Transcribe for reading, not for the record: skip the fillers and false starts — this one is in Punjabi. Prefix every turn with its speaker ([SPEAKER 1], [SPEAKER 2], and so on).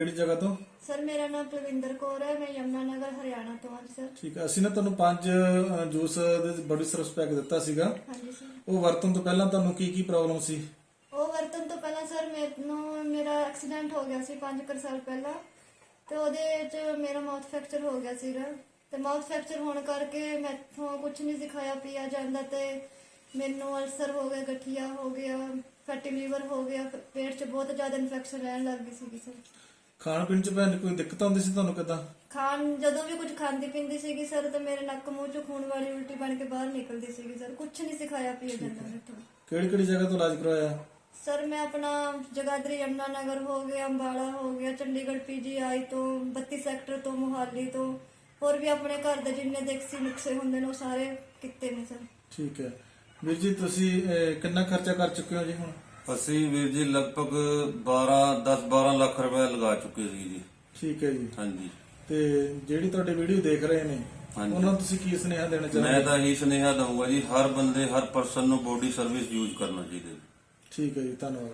[SPEAKER 1] ਕਿਹੜੀ ਜਗ੍ਹਾ ਤੋਂ?
[SPEAKER 2] ਸਰ ਮੇਰਾ ਨਾਮ ਪ੍ਰਵਿੰਦਰ ਕੌਰ ਹੈ, ਮੈਂ ਯਮਨਾ ਨਗਰ ਹਰਿਆਣਾ ਤੋਂ ਹਾਂ ਸਰ।
[SPEAKER 1] ਠੀਕ ਹੈ, ਅਸੀਂ ਨਾ ਤੁਹਾਨੂੰ 5 ਜੂਸ ਦੇ ਬੜੀ ਸਰਵਿਸ ਪੈਕ ਦਿੱਤਾ ਸੀਗਾ।
[SPEAKER 2] ਹਾਂਜੀ ਸਰ।
[SPEAKER 1] ਉਹ ਵਰਤਣ ਤੋਂ ਪਹਿਲਾਂ ਤੁਹਾਨੂੰ ਕੀ ਕੀ ਪ੍ਰੋਬਲਮ ਸੀ?
[SPEAKER 2] ਉਹ ਵਰਤਨ ਤੋਂ ਪਹਿਲਾਂ ਸਰ ਮੇਰਾ ਐਕਸੀਡੈਂਟ ਹੋ ਗਿਆ ਸੀ 5 ਸਾਲ ਪਹਿਲਾਂ, ਤੇ ਉਹਦੇ ਚ ਮੇਰਾ ਮਾਊਥ ਫ੍ਰੈਕਚਰ ਹੋ ਗਿਆ ਸੀਗਾ। ਤੇ ਮਾਊਥ ਫ੍ਰੈਕਚਰ ਹੋਣ ਕਰਕੇ ਮੈਥੋਂ ਕੁਝ ਨਹੀਂ ਸਿਖਾਇਆ ਪਿਆ ਜਾਂਦਾ, ਤੇ ਮੈਨੂੰ ਅਲਸਰ ਹੋ ਗਿਆ, ਗਠੀਆ ਹੋ ਗਿਆ, ਫੈਟੀ ਲੀਵਰ ਹੋ ਗਿਆ, ਪੇਟ 'ਚ ਬਹੁਤ ਜ਼ਿਆਦਾ ਇਨਫੈਕਸ਼ਨ ਰਹਿਣ ਲੱਗ ਗਈ ਸੀਗੀ ਸਰ।
[SPEAKER 1] ਖਾਣ ਪੀਣ ਚ ਭੈਣ ਕੋਈ ਦਿੱਕਤ ਆਉਂਦੀ ਸੀ ਤੁਹਾਨੂੰ? ਕਿੱਦਾਂ
[SPEAKER 2] ਜਦੋਂ ਵੀ ਕੁਝ ਖਾਂਦੀ ਪੀਂਦੀ ਸੀਗੀ ਸਰ, ਤੇ ਮੇਰੇ ਨੱਕ ਮੂੰਹ 'ਚ ਖੂਨ ਵਾਲੀ ਉਲਟੀ ਬਣ ਕੇ ਬਾਹਰ ਨਿਕਲਦੀ ਸੀਗੀ ਸਰ। ਕੁਝ ਨਹੀਂ ਸਿਖਾਇਆ ਪਿਆ ਜਾਂਦਾ ਮੈਥੋਂ।
[SPEAKER 1] ਕਿਹੜੀ ਕਿਹੜੀ ਜਗ੍ਹਾ ਤੋਂ ਇਲਾਜ ਕਰਵਾਇਆ?
[SPEAKER 2] ਸਰ ਮੈਂ ਆਪਣਾ ਜਗਾਦਰੀ ਯਮਨਾ ਨਗਰ ਹੋ ਗਿਆ, ਅੰਬਾਲਾ ਹੋ ਗਿਆ, ਚੰਡੀਗੜ੍ਹ PGI ਤੋਂ, 32 ਸੈਕਟਰ ਤੋਂ, ਮੁਹਾਲੀ ਤੋਂ, ਹੋਰ ਵੀ ਆਪਣੇ ਘਰ ਦੇ ਜਿੰਨੇ ਦੇਸੀ ਨੁਕਸੇ ਹੁੰਦੇ ਨੇ ਉਹ ਸਾਰੇ ਕੀਤੇ ਨੇ ਸਰ।
[SPEAKER 1] ਠੀਕ ਹੈ ਵੀਰ ਜੀ, ਤੁਸੀਂ ਕਿੰਨਾ ਖਰਚਾ ਕਰ ਚੁੱਕੇ ਹੋ ਜੀ ਹੁਣ?
[SPEAKER 3] ਅਸੀਂ ਵੀਰ ਜੀ ਲਗਭਗ 10-12 ਲੱਖ ਰੁਪਏ ਲਗਾ ਚੁੱਕੇ ਸੀ ਜੀ।
[SPEAKER 1] ਠੀਕ ਹੈ ਜੀ।
[SPEAKER 3] ਹਾਂਜੀ।
[SPEAKER 1] ਤੇ ਜਿਹੜੀ ਤੁਹਾਡੀ ਵੀਡੀਓ ਦੇਖ ਰਹੇ ਨੇ
[SPEAKER 3] ਹਾਂਜੀ।
[SPEAKER 1] ਉਹਨਾਂ ਨੂੰ ਤੁਸੀਂ ਕੀ ਸੁਨੇਹਾ ਦੇਣਾ ਚਾਹੁੰਦੇ?
[SPEAKER 3] ਮੈਂ ਤਾਂ ਇਹੀ ਸੁਨੇਹਾ ਦਊਂਗਾ ਜੀ, ਹਰ ਬੰਦੇ ਹਰ ਪਰਸਨ ਨੂੰ ਬੋਡੀ ਸਰਵਿਸ ਯੂਜ਼ ਕਰਨਾ ਚਾਹੀਦਾ ਜੀ।
[SPEAKER 1] ਠੀਕ ਹੈ ਜੀ, ਧੰਨਵਾਦ।